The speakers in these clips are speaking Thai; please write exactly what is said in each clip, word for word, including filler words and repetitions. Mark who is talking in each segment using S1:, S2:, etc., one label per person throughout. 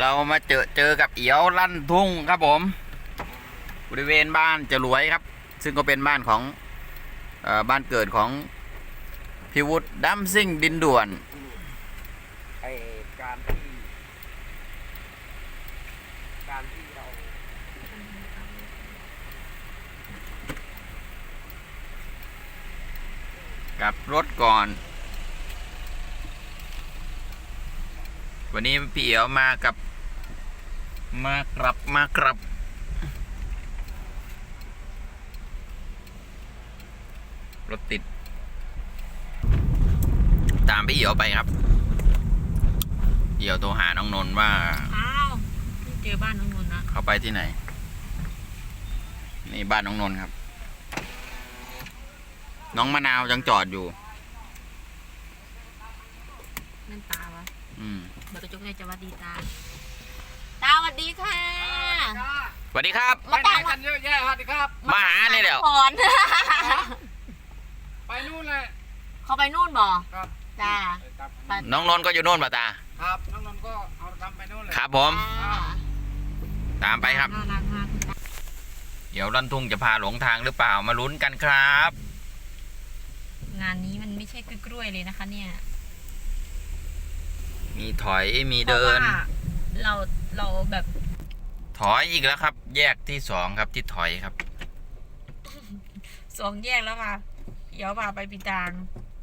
S1: เรามาเจอเจอกับเอียวลั่นทุ่งครับผมบริเวณบ้านจรวยครับ ซึ่งก็เป็นบ้านของเอ่อบ้านเกิดของพิวุฒิดัมซิ่งดินด่วน
S2: ไอการที่การที่เรา
S1: กลับรถก่อน วันนี้พี่เอียวมากับมากลับมากลับรถติดตามพี่เอียวไปครับเอียวโทรหาน้องนนท์ว่า
S3: อ้าวนี่เจอบ้านน้องนนท์นะ
S1: เขาไปที่ไหนนี่บ้านน้องนนท์ครับน้องมะนาวยังจอดอยู่
S3: นั่นตาวะ
S1: อืม
S3: เดี๋ยวกระจกในจะวัดดีตาตาสวัสดีค่ะ
S1: สวัสดีครับ
S2: ไปไหนกันเยอะแยะสวัสดีครับ
S1: มาหาเนี่ยเดี๋ยว
S2: ไปนู่นเลย
S3: เขาไปนู่นบ่
S2: ครับ
S3: จ้า
S1: น้องนนท์ก็อยู่โน่นป่ะตา
S2: ครับน้องนนท์ก็เอาทำไปนู่นเลย
S1: ครับผมตามไปครับ
S3: น่ารักมาก
S1: เดี๋ยวลั่นทุ่งจะพาหลงทางหรือเปล่ามาลุ้นกันครับ
S3: งานนี้มันไม่ใช่กล้วยเลยนะคะเนี่ย
S1: มีถอยมีเดิน
S3: เราเราแบบ
S1: ถอยอีกแล้วครับ แยกที่สองครับที่ถอยครับ
S3: สองแยกแล้วค่ะเดี๋ยวพาไปปีตาง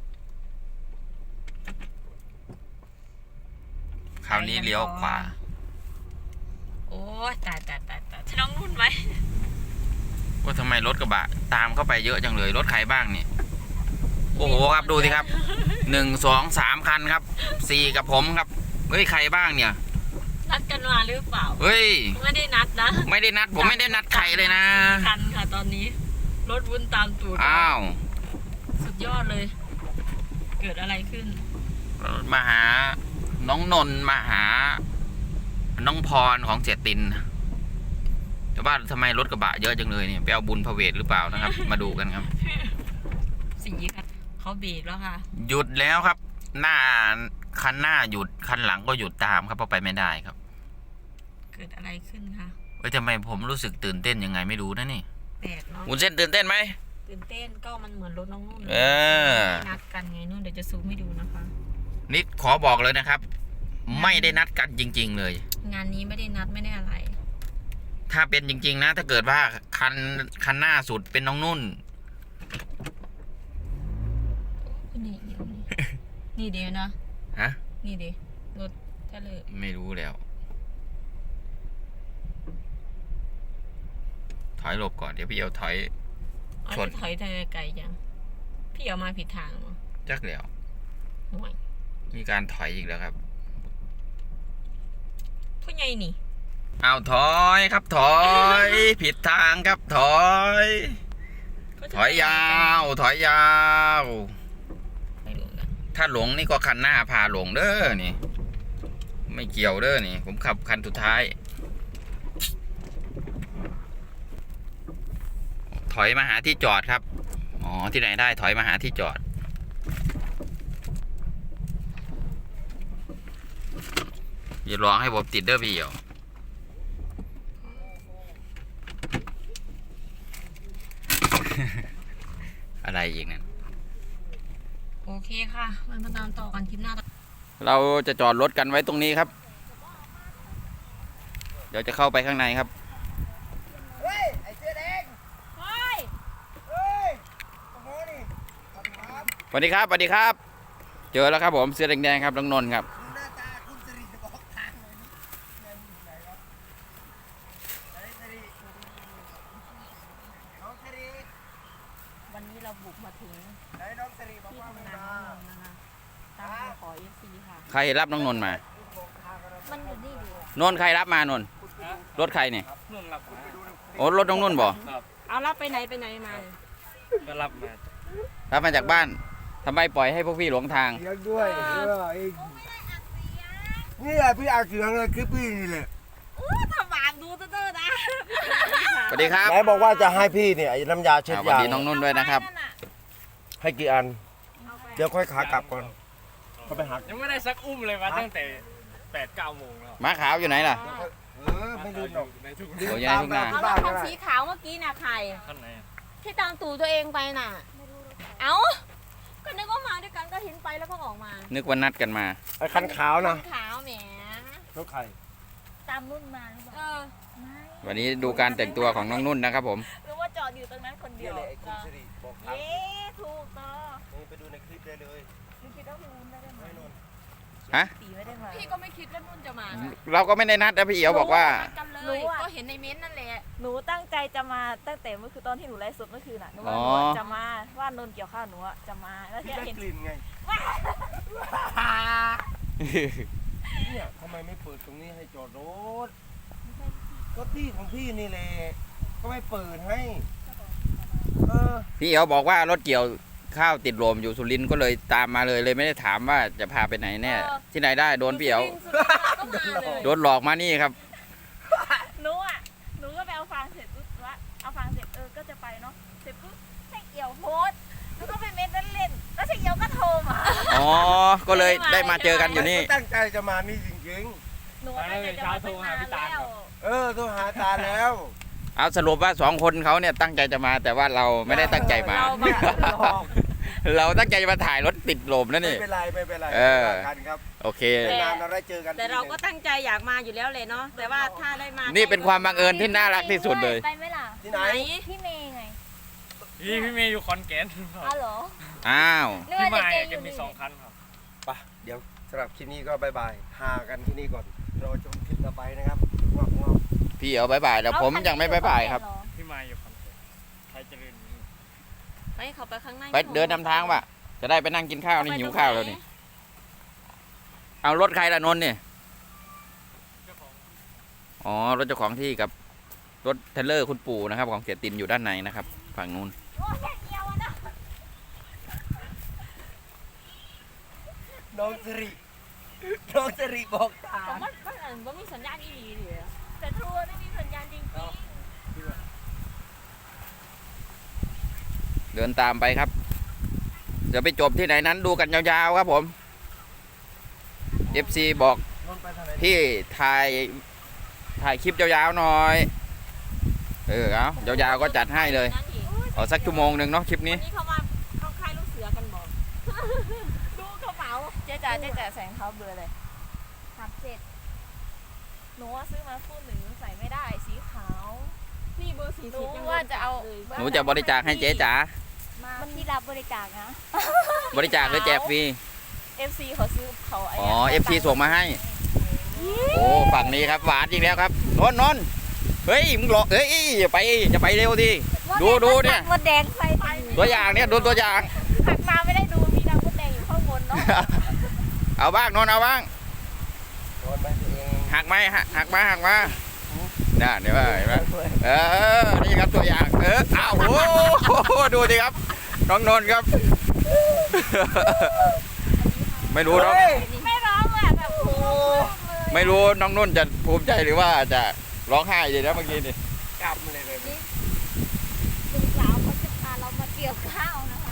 S1: คราวนี้เลี้ยวขวา
S3: โอ้ตายตายตายตายน้องนุ่นไว้
S1: ว่าทำไมรถกระบะตามเข้าไปเยอะจังเลยรถใครบ้างเนี่ยโอ้โหครับดูสิครับหนึ่งสองสามคันครับสี่กับผมครับเฮ้ยใครบ้างเนี่ย
S3: นัดกันมาหรือเปล่า
S1: เฮ้ย
S3: ไม่ได้นัดนะ
S1: ไม่ได้นัดผมไม่ได้นัดใครเลยนะ
S3: คันค่ะตอนนี้รถวุ่นตามตูด
S1: อ้าว
S3: สุดยอดเลยเกิดอะไรขึ้น
S1: มาหาน้องนนท์มาหาน้องพรของเสียตินแต่ว่าทำไมรถกระบะเยอะจังเลยเนี่ยไปเอาบุญพระเวทหรือเปล่านะครับ มาดูกันครับ
S3: สีค่ะเขาเบรกแล้วค่ะ
S1: หยุดแล้วครับหน้าคันหน้าหยุดคันหลังก็หยุดตามครับเพราะไปไม่ได้ครับ
S3: เกิดอะไรขึ้นคะ
S1: เอ้ยทำไมผมรู้สึกตื่นเต้นยังไงไม่รู้นะนี่
S3: แปลกเนาะ
S1: วุ้นเส้นตื่นเต้นไหม
S3: ตื่นเต้นก็มันเหมือนรถน้องนุ่น
S1: เออ
S3: นัดกันไงนู่นเดี๋ยวจะซูมให้ดูนะคะ
S1: นี่ขอบอกเลยนะครับไม่ได้นัดกันจริงๆเลย
S3: งานนี้ไม่ได้นัดไม่ได้อะไร
S1: ถ้าเป็นจริงๆนะถ้าเกิดว่าคันคันหน้าสุดเป็นน้องนุ่น
S3: นี่เดี๋ยวนี่นี่เดี๋ยวนะ
S1: ฮะ
S3: นี่เดี๋ยวรถทะเล
S1: ไม่รู้แล้วถอยหลบก่อนเดี๋ยวพี่เอาถอย
S3: ชนถอยทะเลไกลจังพี่เอามาผิดทางมั้ง
S1: จักแล้วมีการถอยอีกแล้วครับ
S3: ผู้ใหญ่นี่
S1: เอาถอยครับถอยผิดทางครับถอยถอยยาวถอยยาวถ้าหลงนี่ก็คันหน้าพาหลงเด้อนี่ไม่เกี่ยวเด้อนี่ผมขับคันสุดท้ายถอยมาหาที่จอดครับอ๋อที่ไหนได้ถอยมาหาที่จอดอย่าลองให้ผมติดเด้อพี่เหี่ยวอะไรอีกนั่น
S3: โอเคค่ะมันมาตามต่อกันคลิปหน้า
S1: เราจะจอดรถกันไว้ตรงนี้ครับเดี๋ยวจะเข้าไปข้างในครับ
S2: เฮ้ยไอ้เสื้อแดงเฮ้ยเฮ้ยโอ้โหนี่
S1: สวัสดีครับสวัสดีครับเจอแล้วครับผมเสื้อแดงๆครับน้องนนท์ครับ
S3: วันนี้เราบุกมาถึงที่ทำงานน้องนนท์นะคะตามขอเอฟซีค่ะ
S1: ใครรับน้องนนท์มา
S3: มันอยู่นี่ดิ
S1: นนท์ใครรับมานนท์รถใครเนี่ยโอ้รถน้องนนท์บ่
S3: เอารับไปไหนไปไหนมา
S2: ก็รับมา
S1: รับมาจากบ้านทำไมปล่อยให้พวกพี่หลงทาง
S2: เลี้ยงด้วยนี่แหละพี่อาเสียงเลยคือพี่นี่แหละ
S3: ทำบาปดูเตอร์นะ
S1: สวัสดีครับ
S2: ไหนบอกว่าจะให้พี่เนี่ยไอ้น้ำยาเช็ดยา
S1: สวัสดีน้องนุ่นด้วยนะครับ
S2: ให้กี่อันเดี๋ยวค่อยขากลับก่อนเขาไปหัก
S4: ยังไม่ได้สักอุ้มเลยมาตั้งแต่แปดเก้าโมงแล้ว
S1: ม้าขาวอยู่ไหนล่ะ
S2: เออไม่ลืมหรอก
S4: ในทุ่ง
S1: โอ้ยยายทุ่งนา
S3: เอารถคันสีขาวเมื่อกี้น่ะใคร
S4: ข้างในอะ
S3: ที่ตามตู่ตัวเองไปน่ะเอ้าก็นึกว่ามาด้วยกันก็เห็นไปแล้วก็ออกมา
S1: นึกว่านัดกันมา
S2: ไอ้คันขาวนะ
S3: ขาวแหม
S2: รถใคร
S3: ตามนุ่นมาหรือเปล่าเออไม่
S1: วันนี้ดูการแต่งตัวของน้องนุ่นนะครับผม
S3: หรือว่าจอดอยู่ตรงนั้นคนเดี
S2: เดี๋
S3: ย
S2: ยว วเลยไอ้คุณสิริบอกทาง
S3: เย้ถูกต่อ
S2: นี่ไปดูในคลิปได้เลย
S3: พี่คิดว่าพี่นุ่นไม่ได้มา
S2: ไม่นน
S1: ฮะ
S3: ตีไม่ได้มาพี่ก็ไม่คิดว่านุ่นจะมา
S1: เราก็ไม่ได้นัดนะพี่เอ๋วบอกว่า
S3: กันเลยก็เห็นในเม้นต์นั่นแหละ
S5: หนูตั้งใจจะมาตั้งแต่เมื่อคืนตอนที่หนูไลฟ์สดเมื่อคืนน่ะหนูว่า
S1: อ๋
S5: ห
S1: อ
S5: นูจะมาว่านนนเกี่ยวข้าวหนูอะจะมาแล้ว
S2: พี่
S5: ที่
S2: ได้
S5: เห็น
S2: กลิ่นไงเนี่ยทำไมไม่เปิดตรงนี้ให้จอดรถก็ที่ของพี่นี่แหละก็ไม่เปิดให้เออ
S1: พี่เอ๋วบอกว่ารถเกี่ยวข้าวติดลมอยู่สุรินทร์ก็เลยตามมาเลยเลยไม่ได้ถามว่าจะพาไปไหนแน่ที่ไหนได้โดนพี่เอ๋ว
S3: ก็มาเลย
S1: โดนหลอกมานี่ครับ
S5: หนูอะหนูก็ไปเอาฟางเสร็จปุ๊บว่าเอาฟางเสร็จเออก็จะไปเนาะเสร็จปุ๊บใช่เกี่ยวโพสต์หนูก็ไปเม้นเล่นๆแล้วใช่เกี่ยวก็โทรมา
S1: อ๋อ ก็เลยได้มาเจอกันอยู่นี่
S2: ตั้งใจจะมานี่จริง
S5: หนูตั้งใจจะมาตั้งนานแล้ว
S2: ๆ เออโทรหาตาแล้ว
S1: เอาสรุปว่าสองคนเขาเนี่ยตั้งใจจะมาแต่ว่าเราไม่ได้ตั้งใจมา
S5: เรามา
S1: เราตั้งใจมาถ่ายรถติดลมนั่น
S2: ไม่
S1: นี่
S2: เป็นไรไม่เป็นไร
S1: เออ
S2: ว่ากันครับ
S1: โอเค
S2: นานเราได้เจอกัน
S3: แต่เราก็ตั้งใจอยากมาอยู่แล้วเลยเนาะแต่ว่าถ้าได้มา
S1: นี่เป็นความบังเอิญที่น่ารักที่สุดเลย
S5: ไปไหมล่ะ
S2: ที่ไหน
S5: พี่เมย์ไง
S4: พี่พี่เมย์อยู่ขอนแก่น
S5: อ้าวเหรอ
S1: อ้าว
S5: นึก
S4: พี่
S5: ว่า
S4: มา
S5: จะเจ
S4: แก
S5: ออยู่
S4: มี
S5: นี่
S4: สองคันครับ
S2: ไปเดี๋ยวสำหรับคลิปนี้ก็บายบายหากันที่นี่ก่อนรอชมคลิปต่อไปนะครับงอกงอก
S1: พี่เอาบายบายแล้วผมยังไม่บายบายครับ
S4: พี่มาอยู่ขอนแก่นไทยเจริญอยู่นี่
S3: ไปเขาไปข้างใน
S1: ไปเดินนำทางว่ะจะได้ไปนั่งกินข้าวนี่หิวข้าวแล้วนี่ เอารถใครล่ะนนท์เนี่ย
S4: เจ้าของ
S1: อ๋อรถเจ้าของที่กับรถเทรลเลอร์คุณปู่นะครับ ของเสียตินอยู่ด้านในนะครับ ฝั่งนู้น
S2: น้องสิริน้องสิริบอกตา
S3: ผมว่ามันอันว่ามีสัญญาณอีหลีเดียว
S5: แต่ทัวร์ไม่มีสัญญาณจริง
S1: เดินตามไปครับ เดี๋ยวไปจบที่ไหนนั้นดูกันยาวๆครับผม เอฟ ซี บอก
S2: นนท์ไปทางไหน
S1: พี่ถ่ายถ่ายคลิปยาวๆหน่อย เออเอายาวๆก็จัดให้เลย
S3: นั่นอีก
S1: เอาสักชั่วโมงหนึ่งเนาะคลิป
S3: วั
S1: นี้
S3: นนี้เขามาเข้าค่ายลูกเสือกันบอก ดูกระเป๋า
S5: ๆเจ๊จ๋าเจ๊จ๋าใส่รองเท้าเบอร์อะไรสามเจ็ดหนูว่าซื้อมาคู่หนึ่งใส่ไม่ได้สีขาว
S3: นี่เบอร์สี่
S5: หนู
S3: สิบยัง
S5: ว่าจะเอา
S3: เลย
S1: หนูจะบริจาคให้เจ๊จ๋า
S5: มันที่รับบริจาคนะ
S1: บริจาคหรือแจกฟรี
S5: เอฟซีเขาซื้อเขาไ
S1: อ๋อ เอฟ ซี ส่งมาให้ โอ้ฝั่งนี้ครับหวานอีกแล้วครับนนท์นนท์เฮ้ยมึงหลอกเฮ้ยอย่าไปจะไปเร็วดิ ดูดูเนี่ย
S5: มดแดงใส่ไป
S1: ตัวอย่างเนี่ยดูตัวอย่าง
S5: หักมาไม่ได้ดูมีนางมดแดงอยู่ข้างบนเนาะ
S1: เอาบ้างนนท์เอาบ้าง
S2: โดนไปเอง
S1: หักไหมหักหักมาหักมาน่าเดี๋ยวเห็นไหมเออนี่ครับตัวอย่างเอออ้าวโอ้โหดูดิครับน้องนนท์ครับ ไม่รู้น้อง
S5: ไม่ร้องเลยอะแบบโอ้โห
S1: ไม่รู้น้องนุ่นจะภูมิใจหรือว่าจะร้องไห้ดีนะเมื่อกี้นี่
S2: กำเลยเลย
S5: ลุงสาวเขาจะพาเรามาเกี่ยวข้าวนะคะ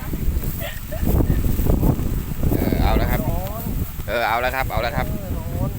S1: เออเอาแล้วครับ
S2: นอน
S1: เออเอาแล้วครับเอาแล้วครับ
S2: เออนอน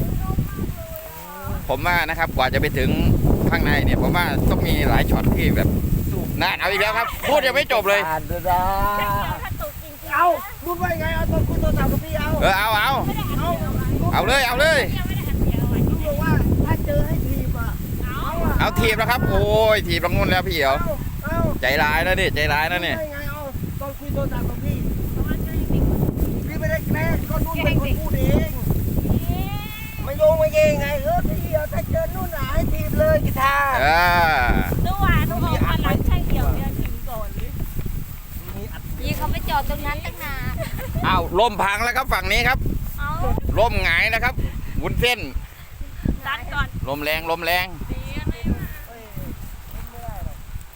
S1: ผมว่านะครับกว่าจะไปถึงข้างในเนี่ยผมว่าต้องมีหลายช็อตที่แบบนานเอาอีกแล้วครับ พูดยังไม่จบเลย
S2: อ่านด้วยนะ
S5: ถ้าตกจริงๆ
S2: เอาพูดว่าไงเอาตอนคุณโทรศัพท์กับพี่เอา
S1: เออเอาเอา
S2: เอา
S1: เอาเลยเอาเลย
S5: ยังไม่ได้อัดเสียงเอาไว้
S2: ลูกบอกว่าถ้าเจอให้ทีมอ่ะเอาอะ
S1: เอาทีบแล้วครับ โอ้ยทีบน้องนุ่นแล้วพี่เอ๋ว
S2: เอาเอา
S1: ใจร้ายนะนี่ใจร้ายนะนี่
S2: ได้ไงเอาตอนคุยโทรศัพท์กับพี่พี่ไม่ได้แกล้งก็นุ่นเป็นคนพูดเองไม่โยงไม่เยงไงเออพี่เอาถ้าเจอนุ่นอ่ะให้ทีมเลยกีตาร์
S1: เออ
S5: ดูว่าดูออกมาหลังใช่เกี่ยวเดือนถึงก่อนหรือ
S2: มีอัด
S5: ยี่เขาไปจอดตรงนั้นตั้งนาน
S1: เอาล่มพังแล้วครับฝั่งนี้ครับ
S5: เอา
S1: ล่มหงายนะครับวุ้นเส้น
S5: ดันก่อน
S1: ลมแรงลมแรง
S5: ดีนะไม่มา
S2: เอ้ยไม่ได้หรอก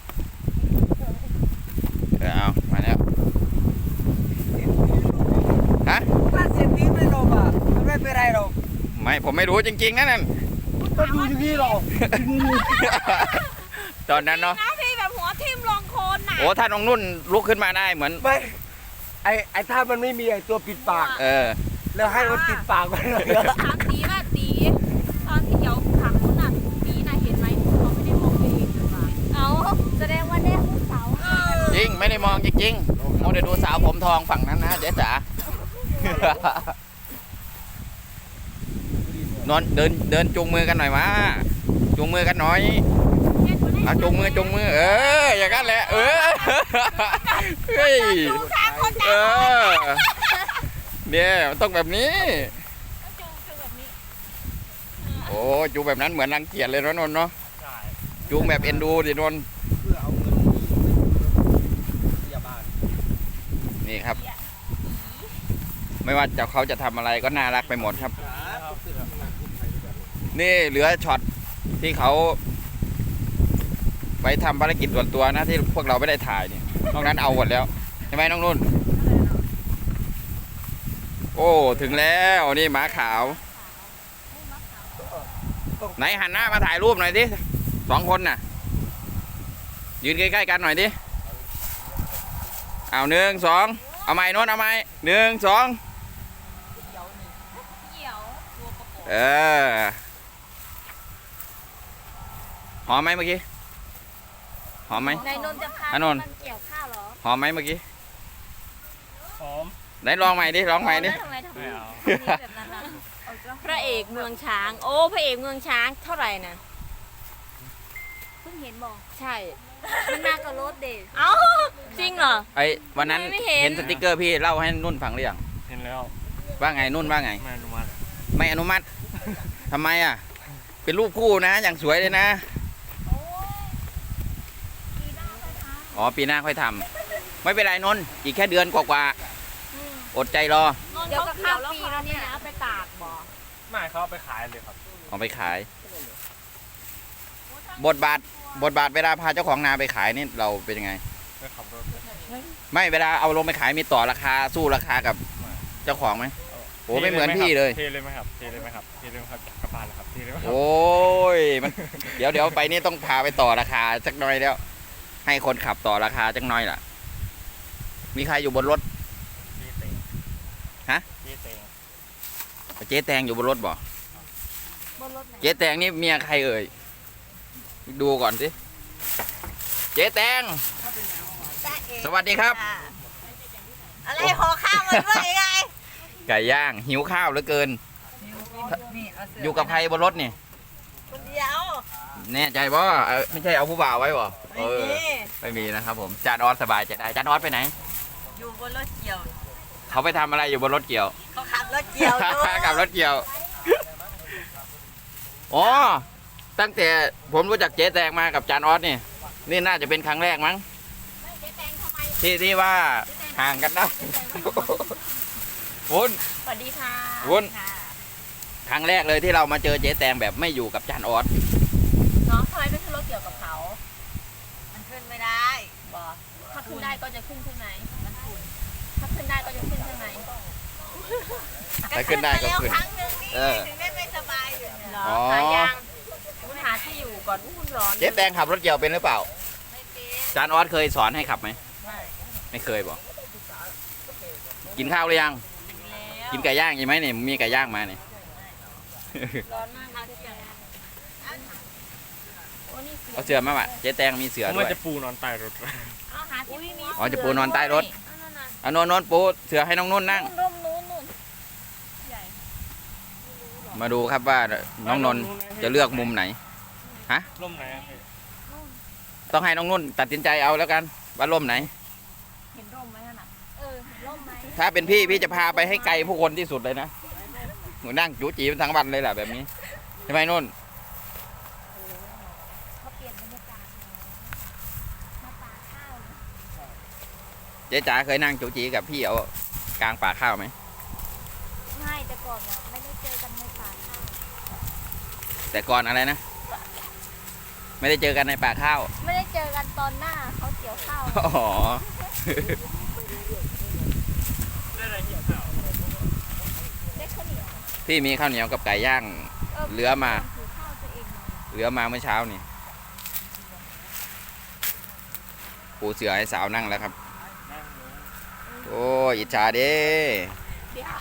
S1: เออเอามาแล้วฮะ
S2: ถ้าเสียงนี้ไม่ลงอ่ะไม่เป็นไรหรอก
S1: ไม่ผมไม่รู้จริงๆนะนั่น
S2: ก็ดูอย่างนี้หรอก
S1: ตอนนั้นเนาะ
S3: นะพี่แบบหัวทิ่มลงโคลนน่ะ
S1: โอ้ถ้าน้องนุ่นลุกขึ้นมาได้เหมือน
S2: ไม่ไอไอถ้ามันไม่มีไอตัวปิดปาก
S1: เออ
S2: แล้วให้มันปิดปากมันเลย
S3: ถามตีว่า
S1: ไม่ได้มองจริงๆโมเดลดูสาวผมทองฝั่งนั้นนะเจ๊จ๋านอนเดินเดินจูงมือกันหน่อยมาจูงมือกันหน่อยเอาจูงมือจูงมือเอออย่างนั้นแหละเออเฮ้ยเออเนี่ยมันต้องแบบนี้
S5: จูงจูงแบบนี้
S1: โอ้จูงแบบนั้นเหมือนรังเกียจเลยนะนนท์เนาะ
S4: ใช่
S1: จูงแบบเอ็นดูดินนท์
S2: เพื่อเอาเงินพยาบาล
S1: นี่ครับ ไม่ว่าจะเขาจะทำอะไรก็น่ารักไปหมดครับ นี่เหลือช็อตที่เขาไปทำภารกิจส่วนตัวนะที่พวกเราไม่ได้ถ่ายนี่นอกนั้นเอาหมดแล้วใช่ไหมน้องนุ่น โอ้ถึงแล้วนี่หมาขาว ไหนหันหน้ามาถ่ายรูปหน่อยดิสองคนน่ะ ยืนใกล้ๆกันหน่อยดิเอาหนึ่งสองเอาไม้โน้นเอาไม้หนึ่งสอง
S5: เหี่ยวตัวประกบ
S1: เออหอมไหมเมื่อกี้หอมไหม
S5: นายนนท์จะพา
S1: อ่ะนนท์
S5: มันเกี่ยวข้าวเหรอ
S1: หอมไหมเมื่อกี้
S4: หอม
S1: ไหนลองใหม่ดิลองใหม่ดิ
S5: ทำไมทำไม
S4: ไม่เอา
S5: ทำไมแบบนั้นอ่ะ
S3: พระเอกเมืองช้าง โอ้พระเอกเมืองช้างเท่าไหร่นะ
S5: เพิ่งเห็นบอก
S3: ใช่
S5: มันมากับรถเด็ก
S3: เอ้าจริงเหรอ
S1: ไอ้วันนั้น
S3: ไม่เห็น
S1: เห็นสติกเกอร์พี่เล่าให้นุ่นฟังหรือยัง
S4: เห็นแล้ว
S1: ว่าไงนุ่นว่าไง
S4: ไม่อนุมัติ
S1: ไม่อนุมัติทำไมอ่ะ เป็นรูปคู่นะ อย่างสวยเลยนะ
S5: โอ้ยปีหน้าค่อยท
S1: อ๋อปีหน้าค่อยทำไม่เป็นไรนนท์อีกแค่เดือนกว่าๆอดใจรอ
S3: เดี๋ยวก็ข้าวปีแล้วเนี่ยเอาไปตากบ่
S4: ไม่เขาเอาไปขายเลยครับ
S1: เอาไปขาย บทบาทบทบาทเวลาพาเจ้าของนาไปขายนี่เราเป็นยังไง
S4: ไปขับรถเลย
S1: ไม่เวลาเอาลงไปขายมีต่อราคาสู้ราคากับเจ้าของไหมโอ้ไม่เหมือนพี่เลย
S4: เทเลยไหมครับเทเลยไหมครับเทเลยไหมครับกลับบ้านแล้วครับเทเลยไหมครับ
S1: โอ้ยมันเดี๋ยวเดี๋ยวไปนี่ต้องพาไปต่อราคาสักหน่อยแล้ว ให้คนขับต่อราคาสักหน่อยล่ะ มีใครอยู่บนรถ
S4: เจ๊เต็ง
S1: ฮะ
S4: เจ๊เต็ง
S1: เจ๊แตงอยู่บนรถบ่
S5: ำบนรถไหน
S1: เจ๊แตงนี่เมียใครเอ่ยดูก่อนสิเจ๊แตงสวัสดีครับ
S3: อะไรขอข้าวมันด้วยไง
S1: ไก่ย่างหิวข้าวเหลือเกิน อยู่กับใครบนรถนี่
S3: คนเดียว
S1: แน่ใจบ่เออไม่ใช่เอาผู้บ่าวไว้บ่เออไม่มีนะครับผมจานออสสบายใจได้จานออสไปไหน
S3: อยู่บนรถเกี่ยว
S1: เขาไปทำอะไรอยู่บนรถเกี่ยว
S3: เขาขับรถเกี่ยวด้วย
S1: กับรถเกี่ยวอ๋อตั้งแต่ผมรู้จักเจ๊แตงมากับจานออสนี่นี่น่าจะเป็นครั้งแรกมั้ง
S5: เจ๊แตงทำไม
S1: ที่ที่ว่าห่างกันนะวุ้น
S3: สวัสดีค่ะ
S1: วุ้น
S3: ค่ะ
S1: ครั้งแรกเลยที่เรามาเจอเจ๊แตงแบบไม่อยู่กับจานออส
S3: เนาะทำไมไม่ขึ้นรถเกี่ยวกับเขา
S5: มันขึ้นไม่ได้
S3: บอ
S5: ถ้าขึ้นได้ก็จะขึ้นใช่ไหมมันคุณถ้าขึ้นได้ก็จะขึ้นใช่ไหม
S1: ถ้าขึ้นได้ก็ขึ้น
S5: ครั้งหนึงนี่
S1: เออ
S5: ถึงได้ไม่สบายอยู่เนี่ย
S3: เหรอ
S1: อ๋อ
S3: หายางคุณหาที่อยู่ก่อนอุ้นร้อน
S1: เจ๊แตงขับรถเกี่ยวเป็นหรือเปล่า
S5: ไม่เป็น
S1: จานออสเคยสอนให้ขับไหมไม่เคยบอกกินข้าวหรือยัง
S3: แล้ว
S1: กินไก่ย่างอีกไหมเนี่ยมีไก่ย่างมาเนี่ย
S3: ร้อนมากเลยจ้ะโอ้นี่เสือ
S1: เอาเสือมาว่ะเจ๊แตงมีเสือ
S4: ผม
S1: ด้
S4: มั
S1: วน ย
S4: จะปูนอนใต้รถ
S3: เอาหาที่มี
S1: อ๋อจะปูนอนใต้รถ
S3: เอานั่นน่ะ
S1: เอาโนนโนนปูเสือให้น้องนุ่นนั่ง
S5: ร่มนู้นนู่นใหญ่
S1: มาดูครับว่าน้องนนท์จะเลือกมุมไหน
S4: ร่มไหนอะพี่
S1: ต้องให้น้องนุ่นตัดสินใจเอาแล้วกันว่าร่มไหน
S5: เห็นร่มไหมนั่นน่ะเออเห็นร่มไหม
S1: ถ้าเป็นพี่พี่จะพาไปให้ไกลผู้คนที่สุดเลยนะหนูนั่งจูจีเป็นทั้งวันเลยแหละแบบนี้ใช่ไหมนุ่น
S5: เขาเปลี่ยนบรรยากาศแล้วมาป่าข้าวเลย
S1: เจ๊จ๋าเคยนั่งจูจีกับพี่เอากลางป่าข้าวไหม
S5: ไม่แต่ก่อนเนี่ยไม่ได้เจอกันในป่าข้าว
S1: แต่ก่อนอะไรนะ ไม่ได้เจอกันในป่าข้าว
S5: ไม่ได้เจอกันตอนหน้าเขาเกี่ยวข้าว
S1: อ๋อ
S4: ได้อะไรเกี่ยวข้าว
S5: ได้ข้าวเหนียว
S1: พี่มีข้าวเหนียวกับไก่ย่าง เหลือมา
S5: ถือข้าวตัวเองมา
S1: เหลือมาเมื่อเช้านี่ปูเสือให้สาวนั่งแล้วครับ
S4: นั่งเลย
S1: โอ้ยอิจฉาเด้
S5: เดี๋ยว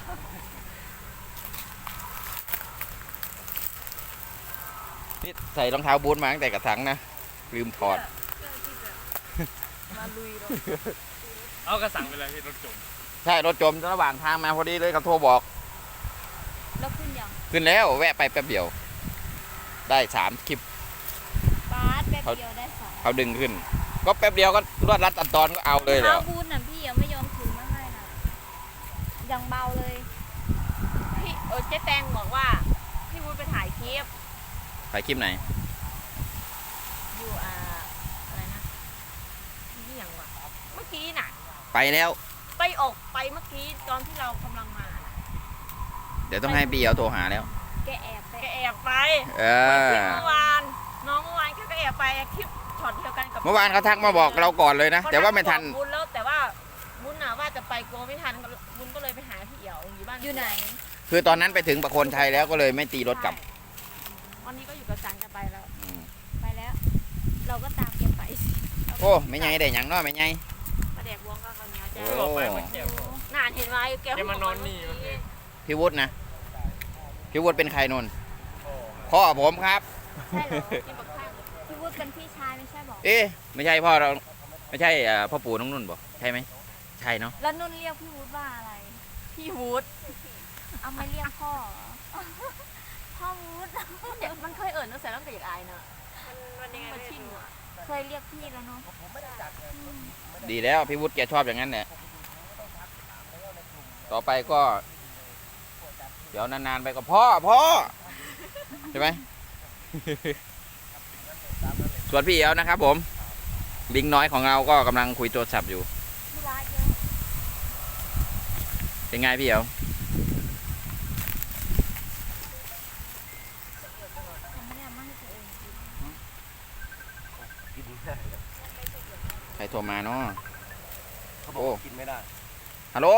S1: นี่ใส่รองเท้าบูทมาตั้งแต่กระถังนะลืมถอด
S5: เพื่อที่จะมา
S3: ลุยเนาะ
S4: เอากระสังไปเลยพี่รถจม
S1: ใช่รถจมระหว่างทางมาพอดีเลยเขาโทรบอก
S3: แล้วขึ้นยัง
S1: ขึ้นแล้วแวะไปแป๊บเดียว ได้สามคลิป
S3: บาสแป๊บเดียวได้สอง
S1: เขาดึงขึ้น ก็แป๊บเดียวก็รวดรัดตัดตอนก็เอาเลยแล้ว
S3: เอาบูนน่ะพี่ยังไม่ยอมถือมาให้น่ะยังเบาเลย
S5: พี่เออเจ๊แตงบอกว่าพี่วุ้นไปถ่ายคลิป
S1: ถ่ายคลิปไหน
S5: อยู่อ่าอะไรนะที่อย่างวะเมื่อกี้น่ะ
S1: ไปแล้ว
S5: ไปออกไปเมื่อกี้ตอนที่เรากำลังมาน่ะ
S1: เดี๋ยวต้องให้พี่เอ๋โทรหาแล้ว
S3: แกแอบไป
S5: แกแอบไป
S1: เอ
S5: คลิ
S1: อ
S5: ปเมื่อวานน้องเมื่อวานแกก็แอบไปคลิปช็อตเดียวกันกับ
S1: เมื่อวานเขาทักมาบอกเราก่อนเลยนะ แต่ว่าไม่ทัน
S5: บุญแล้วแต่ว่าบุญน่ะว่าจะไปกลัวไม่ทันบุญก็เลยไปหาพี่เอ๋วอยู่บ้าน
S3: อยู่ไหน
S1: คือตอนนั้นไปถึงประโคนชัยแล้วก็เลยไม่ตีรถกลับ
S5: ใช่วันนี้ก็อยู่กับจันจะไปแล้ว
S1: อืม
S3: ไปแล้ว เราก็ตามแกไปสิ
S1: โอ้ไม่ไงได้หยังเนาะไม่ไง
S5: ประเด็กวงก็ข้าวเหนียวจ้า
S1: โอ้
S4: บอกไปเมื่อกี้
S5: นานเห็นไหมแก
S4: แกมานอนนี่
S5: เมื่อกี้
S1: พี่วุฒินะพี่วุฒิเป็นใครนนพ่อผมครับ
S3: ใช่เหรอ
S5: กินกับข้าว
S3: พี่วุฒิเป็นพี่ชายไม่ใช่บอก
S1: เอ๊ะไม่ใช่พ่อเราไม่ใช่เอ่อพ่อปู่น้องนุ่นบอกใช่ไหมใช่เนาะ
S3: แล้วนุ่นเรียกพี่วุฒิว่าอะไร
S5: พี่วูด
S3: เอาไม่เรียกพ่อเหรอพ่อวุฒิ
S5: เด็กมันเคยเอิญตั้งแต่ตั้งแต่เด็กอายเนอะมันมันยังไง
S3: มา
S5: ไม่
S3: ชิ่ง
S5: รู้
S3: อ่ะ
S5: อะ
S3: เคยเรียกพี่แล้วเนาะอืม
S1: ดีแล้วพี่วุฒิแกชอบอย่างนั้นแหละต่อไปก็ เดี๋ยวนานๆไปก็พ่อพ่อใช่ไหม ส่วนพี่เอ๋วนะครับผมลิงน้อยของเราก็กำลังคุยโทรศัพท์อยู่
S3: ธุระเยอะ
S1: เป็นไงพี่เอ๋ว
S3: ยังไม่ได้เอามาให้ตัวเองกิน
S2: กินไม่ได้
S1: ใครโทรมาเนาะ
S2: เขาบอกว่ากินไม่ได้
S1: ฮัลโหล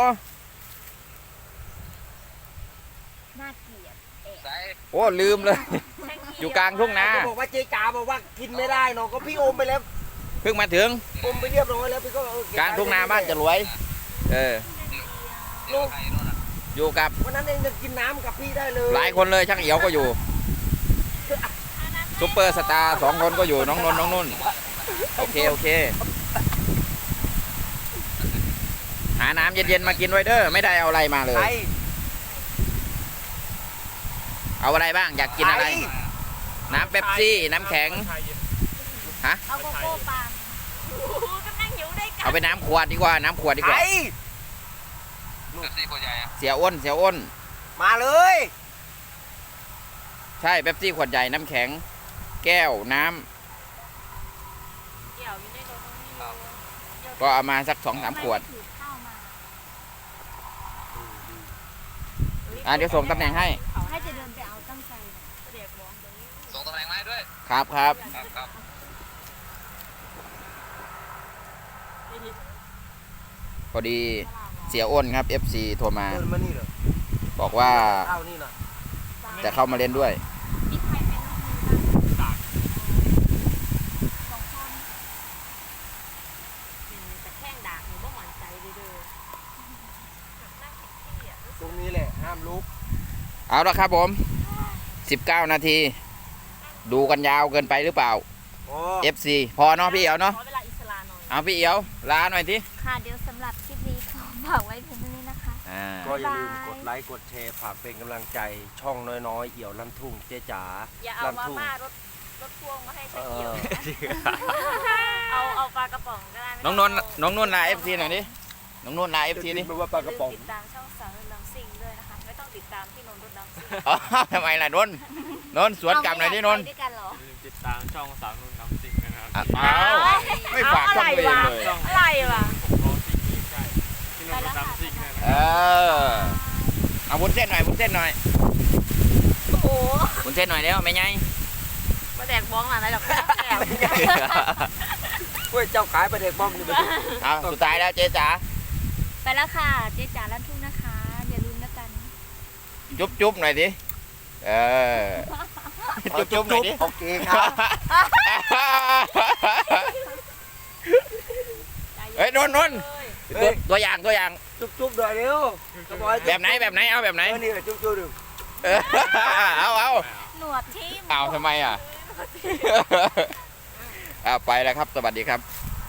S3: น่าเกลียด
S1: โอ้ลืมเลย อยู่กลางทุ่งนา
S2: เขาบอกว่าเจ๊จ๋าบอกว่ากินไม่ได้เนาะก็พี่อมไปแล้ว
S1: เพิ่งมาถึง
S2: อมไปเรียบร้อยแล้วพี่ก็เออเบ
S1: กลางทุ่งนาบ้านจะรวย เออ
S2: ลูก
S1: อยู่กับ
S2: วันนั้นเองจะกินน้ำกับพี่ได้เลย
S1: หลายคนเลยช่างเอียวก็อยู่ซุปเปอร์สตาร์สองคนก็อยู่น้องนนท์น้องนุ่น โอเคโอเค หาน้ำเย็นๆมากินไว้เด้อไม่ได้เอาอะไรมาเลย
S2: ใคร
S1: เอาอะไรบ้างอยากกินอะไร น้ำเป๊ปซี่น้ำแข็ง
S3: เอาโกโก้ปาล์ม
S5: โอ้โหก็นั่งอยู่ด้วยกัน
S1: เอาไปน้ำขวดดีกว่าน้ำขวดดีก
S2: ใคร
S1: ว่าเสียอ้นเสียอ้น
S2: มาเลย
S1: ใช่เป๊ปซี่ขวดใหญ่น้ำแข็ง แก้วน้ำ
S5: เกี่ยวอยู่ในรถนี่อยู่
S1: ก็เอามาสักสองสามขวด
S3: ทำไไถือข้าวมา
S1: อ่ะเดี๋ยวส่งตำแหน่งให้
S3: ให้จะเดินไปเอาตั้งใจนะ
S5: ประเด็กวงตรงนี้
S6: ส่งตำแหน่งมาให้ด้วย
S1: ครับครับ
S6: ครับครับ
S1: พอดีเสียอ้นครับ เอฟ ซี โทรมา
S2: เดินมานี่เหรอ
S1: บอกว่า
S2: ข้าวนี่น่ะ
S1: จะเข้ามาเล่นด้วย
S3: มีใครเป็นลูกมือบ้างสองคน
S5: แต่แข้งด่างหนูบ่หวั่นใจเลยเด้อนั่งแท็กซี่อ่ะ
S2: ตรงนี้แหละห้ามลุก
S1: เอาละครับผม สิบเก้า นาที ดูกันยาวเกินไปหรือเปล่า
S2: โอ้
S1: เอฟ ซี พอเนาะพี่เอ๋วเนาะ
S5: ขอเวลาอิสระหน่อย
S1: เอาพี่เอ๋วลาหน่อยที
S3: ค่ะเดี๋ยวสำหรับคลิปนี้ขอฝากไว้เพียงเท่านี้นะคะ
S1: อ่า
S2: ก็อย่าลืมกดไลค์กดแชร์ฝากเป็นกำลังใจช่องน้อยๆเอี่ยวลั่นทุ่งเจ๊จ๋า
S5: อย่าเอา
S2: ลั่น
S5: มา
S2: ทุ่ง
S5: ม่ารถรถพ่วงมาให้
S2: เอ
S5: ใช้เกี่ยว
S2: อ
S5: เอาเอาปลากระป๋องก็ได้ไม่
S1: น้
S5: ต้
S1: องนนท์น้องนุ่นลา เอฟ ซี หน่อยดิ น้องนุ่นลา เอฟ ซี ดิ
S2: ไม่ว่าปลากระป๋อง
S5: ติดตามช่องสาวรถดังซิ่งด้วยนะคะ ไม่ต้องติดตามที่นนท์รถดังซิ่ง
S1: อ๋อทำไมล่ะนนท์นนท์สวนกลับหน่อยดินนท์
S3: เาไม่อยากไปด้วยกันเหรอ
S4: อย่าลืมติดตามช่องสาวนุ่นน้ำซิงนะครับ
S1: อ่ะเอาไม่ฝากช่องตัวเองเลย
S5: อะไรวะ
S4: ผมรอที่นี่ใกล้ที่นนท์รถน้ำซิงนะ
S1: เออ เอาวุ้นเส้นหน่อยวุ้นเส้นหน่อย
S5: โอ้โห
S1: วุ้นเส้นหน่อยแล้วไม่ไง
S5: มาแดกบ้องหลานอะไรหรอกแอบ
S2: เว้ยเจ้าขายประเด็กบ้อมนี่มัน
S1: เอาสุดท้ายแล้วเจ๊จ๋า
S3: ไปแล้วค่ะ เจ๊จ๋าลั่นทุ่งนะคะ อย่าลืมแล้วกัน
S1: จุ๊บจุ๊บหน่อยดิ เออ จุ๊บจุ๊บหน่อยดิ
S2: โอเคครับ
S1: เฮ้ยนนท์นนท์
S2: เฮ้
S1: ตัวย ตัวอย่างตัวอย่าง
S2: จุ๊บๆหน่อยเร็ว
S1: แบบไหนแบบไหนเอาแบบไหน
S2: เออนี่แหละจุ๊บๆดู
S1: เออเอาเอา
S3: หนวดทิ่ม
S1: เอาทำไมอ่ะ เอาไปแล้วครับ สวัสดีครับ